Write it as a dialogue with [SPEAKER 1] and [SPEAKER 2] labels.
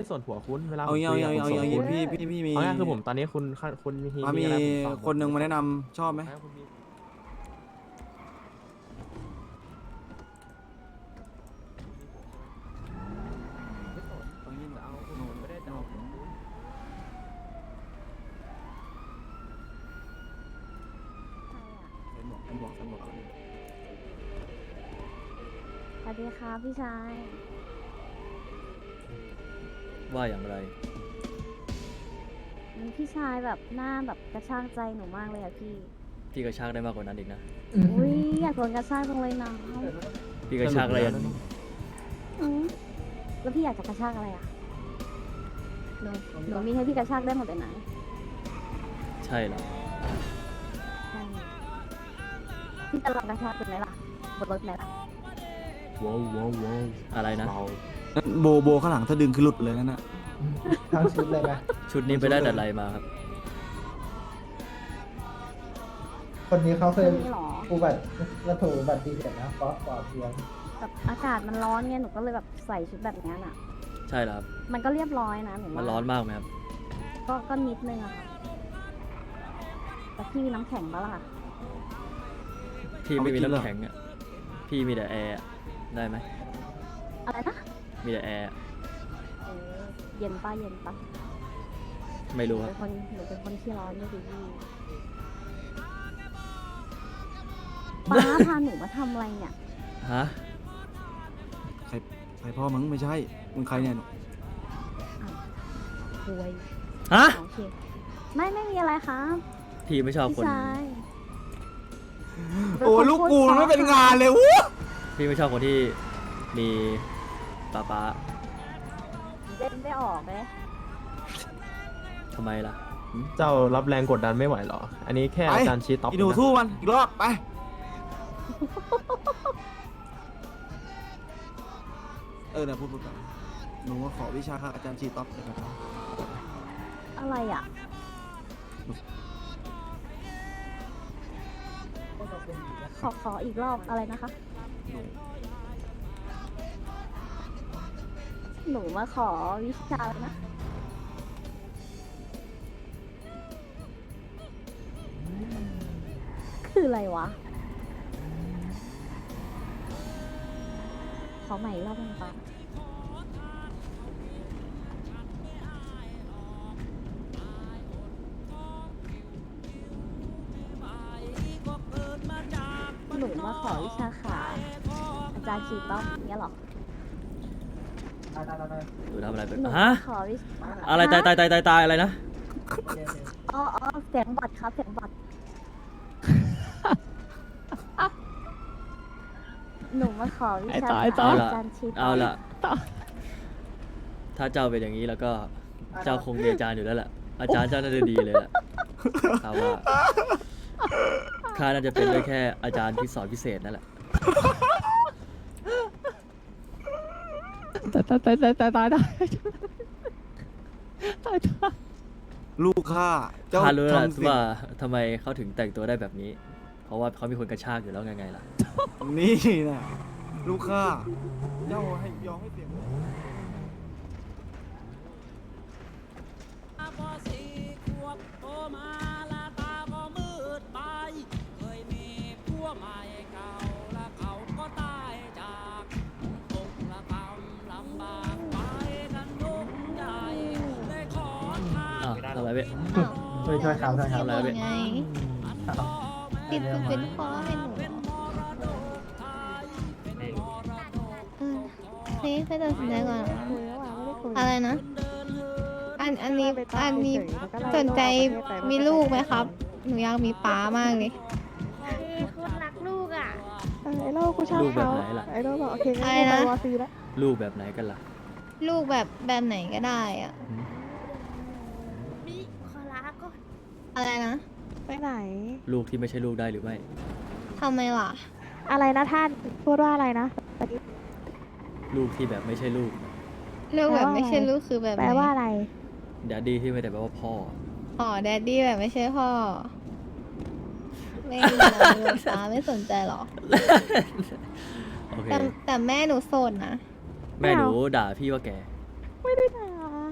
[SPEAKER 1] ส่วนหัวคุณเวลาผม
[SPEAKER 2] เอา
[SPEAKER 1] คุยกับผมส่วนคุณ
[SPEAKER 2] พี่มี
[SPEAKER 1] เอาง่ายคือผมตอนนี้คุณมี
[SPEAKER 2] มี
[SPEAKER 1] อะไรผมตอบ
[SPEAKER 2] คนหนึ่งมาแนะนำชอบไหม
[SPEAKER 1] ให้คุณมี
[SPEAKER 3] สวัสดีครับพี่ชาย
[SPEAKER 4] ว่าอย่างไร
[SPEAKER 3] พี่ชายแบบหน้าแบบกระชากใจหนูมากเลยอะพี่
[SPEAKER 4] พี่กระชากได้มากกว่านั้นอีกนะ
[SPEAKER 3] อุ้ยอยากโดนกระชากจังเลยนะ
[SPEAKER 4] พี่กระชากอะไรยัน
[SPEAKER 3] อืมแล้วพี่อยากจะกระชากอะไรอะหนูมีให้พี่กระชากได้หมดเลยนะ
[SPEAKER 4] ใช่เหรอ
[SPEAKER 3] ใช่พี่จะลองกระชากเป็นไหมล่ะบนรถไหมล่ะ
[SPEAKER 1] ว้าวว้าวว้าว
[SPEAKER 4] อะไรนะ
[SPEAKER 1] เบา
[SPEAKER 2] โบข้างหลังถ้าดึงคือหลุดเลยนั่นน่ะ
[SPEAKER 5] ทั้งชุดเลยไหม
[SPEAKER 4] ชุดนี้ไปได้แต่อะไรมาครับ
[SPEAKER 5] คนนี้เขาเคย
[SPEAKER 3] นี่หรอ
[SPEAKER 5] อุบัติเหตุนะฟอสปอร์ตเพียง
[SPEAKER 3] แบบอากาศมันร้อนไงหนูก็เลยแบบใส่ชุดแบบนี้น่ะ
[SPEAKER 4] ใช่เหรอครับ
[SPEAKER 3] มันก็เรียบร้อยนะหนู
[SPEAKER 4] มัน
[SPEAKER 3] ว่า
[SPEAKER 4] ร้อนมากไหมครับ
[SPEAKER 3] ก็นิดนึงอะค่ะแต่พี่มีน้ำแข็งปะล่ะ
[SPEAKER 4] พี่ไม่มีน้ำแข็งอ่ะ พี่มีแต่แอร์อะได้ไหม
[SPEAKER 3] อะไรนะ
[SPEAKER 4] มีแต่แอร์อะ
[SPEAKER 3] เออเย็นปะเย็นปะ
[SPEAKER 4] ไม่
[SPEAKER 3] หนู
[SPEAKER 4] รู้ค
[SPEAKER 3] เป็
[SPEAKER 4] รับ
[SPEAKER 3] นคนหนูเป็นคนที่ร้อนไม่ดีพี่ป้าพาหนูมาทำอะไรเนี่ย
[SPEAKER 4] ฮะ
[SPEAKER 2] ใครพ่อมึงไม่ใช่มึงใครเนี่ย
[SPEAKER 3] คุย
[SPEAKER 4] ฮะ
[SPEAKER 3] โอเคไม่มีอะไรครับ
[SPEAKER 4] พี่ไม่ชอบ
[SPEAKER 3] พี่
[SPEAKER 4] คน
[SPEAKER 3] ชาย
[SPEAKER 2] โอ้ลูกกูมันไม่เป็นงานเลยวู้
[SPEAKER 4] พี่ไม่ชอบคนที่มีป๊า
[SPEAKER 3] เล่นได้ออกไหม
[SPEAKER 4] ทำไมล่ะหึ
[SPEAKER 1] เจ้ารับแรงกดดันไม่ไหวเหรอ อันนี้แค่อาจารย์ชี้ต็อป
[SPEAKER 2] อีหนู
[SPEAKER 1] นะ
[SPEAKER 2] สู้มันอีกรอบไปนะพูดไปหนูว่าขอวิชาค่ะอาจารย์ชีต๊อปเลยครับ
[SPEAKER 3] อะไรอ่ะขออีกรอบอะไรนะคะ หนูมาขอวิชาแล้วนะ คืออะไรวะ ขอใหม่อีกรอบหนึงปะหนูมาขอวิชาขาอาจารย์ชีต้อมอย่างเงี้ยเหรอ
[SPEAKER 4] หรือทำอะไรไป
[SPEAKER 3] หนู
[SPEAKER 4] ฮะ
[SPEAKER 3] ขอวิชา
[SPEAKER 4] อะไรตายอะไรนะ
[SPEAKER 3] อ๋อเสียงบอดครับเสียงบอด หนูมาขอวิชาขาอาจารย์ชีต้อม
[SPEAKER 4] เอาละถ้าเจ้าเป็นอย่างนี้แล้วก็เจ้าคงมีอาจารย์อยู่แล้วแหละอาจารย์เจ้าน่าจะดีเลยแหละข้าว่าข้าน่าจะเป็นได้แค่อาจารย์ที่สอนพิเศษนั่นแหละ
[SPEAKER 2] ลูกข้าเจ้า
[SPEAKER 4] ข้ารู้แล้ว
[SPEAKER 2] ทำสิ่ง
[SPEAKER 4] ว่าทำไมเขาถึงแต่งตัวได้แบบนี้ เพราะว่าเขามีคนกระชากอยู่แล้วไงล่ะ
[SPEAKER 2] นี่นะลูกข้าเจ้าให้ยอมให้เสียง
[SPEAKER 6] พอสี่ขวบโตมาละตาก็มืดไปเคยมีผัวใหม่เก่าและเขาก็ตายจากตกละกำลำบากไปกันทุกใจเลยขอทาง
[SPEAKER 4] อ้าวทำอะไรเว้ย
[SPEAKER 5] ช่วยครับ
[SPEAKER 4] ทำอะไรเว้ย
[SPEAKER 7] ไงติดคือเป็นพ่อให้หนูนี่ไปตัดสินใจก่อนอะไรนะ อันนี้สนใจมีลูกไหมครับ หนูอยากมีป๊ามากเลย
[SPEAKER 3] คุณรักลูกอ่ะ
[SPEAKER 8] ไอ้โลกกูชอบ
[SPEAKER 4] ลูกแบบ
[SPEAKER 8] เขา
[SPEAKER 4] ไหนล่ะ
[SPEAKER 8] ไอ้โลกบอกโอเคงั้น
[SPEAKER 7] อะไร
[SPEAKER 8] กูไป
[SPEAKER 7] นะ
[SPEAKER 8] วอซีแล้ว
[SPEAKER 4] ลูกแบบไหนกันล่ะ
[SPEAKER 7] ลูกแบบไหนก็ได้อะ
[SPEAKER 3] มีขอลาก่อน
[SPEAKER 7] อะไรนะ
[SPEAKER 8] ไปไหน
[SPEAKER 4] ลูกที่ไม่ใช่ลูกได้หรือไม่
[SPEAKER 7] ทำไมล่ะ
[SPEAKER 8] อะไรนะท่านพูดว่าอะไรนะ
[SPEAKER 4] ลูกที่แบบไม่ใช่ลูก
[SPEAKER 7] ลูกแบบ
[SPEAKER 8] แปลว่า
[SPEAKER 7] ไม่ใช่
[SPEAKER 8] อะไร
[SPEAKER 7] ลูกคือแบบ
[SPEAKER 8] แปลว่าอะไร
[SPEAKER 4] แดดดี้ที่ไม่ได้แปลว่าพ่อ
[SPEAKER 7] อ๋อแดดดี้แบบไม่ใช่พ่อ ไม่รู้ป๊าไม่สนใจหรอ
[SPEAKER 4] โอเค
[SPEAKER 7] แต่แม่หนูโสดนะ
[SPEAKER 4] แม่หนูด่าพี่ว่าแก
[SPEAKER 8] ไม่ได้ด่า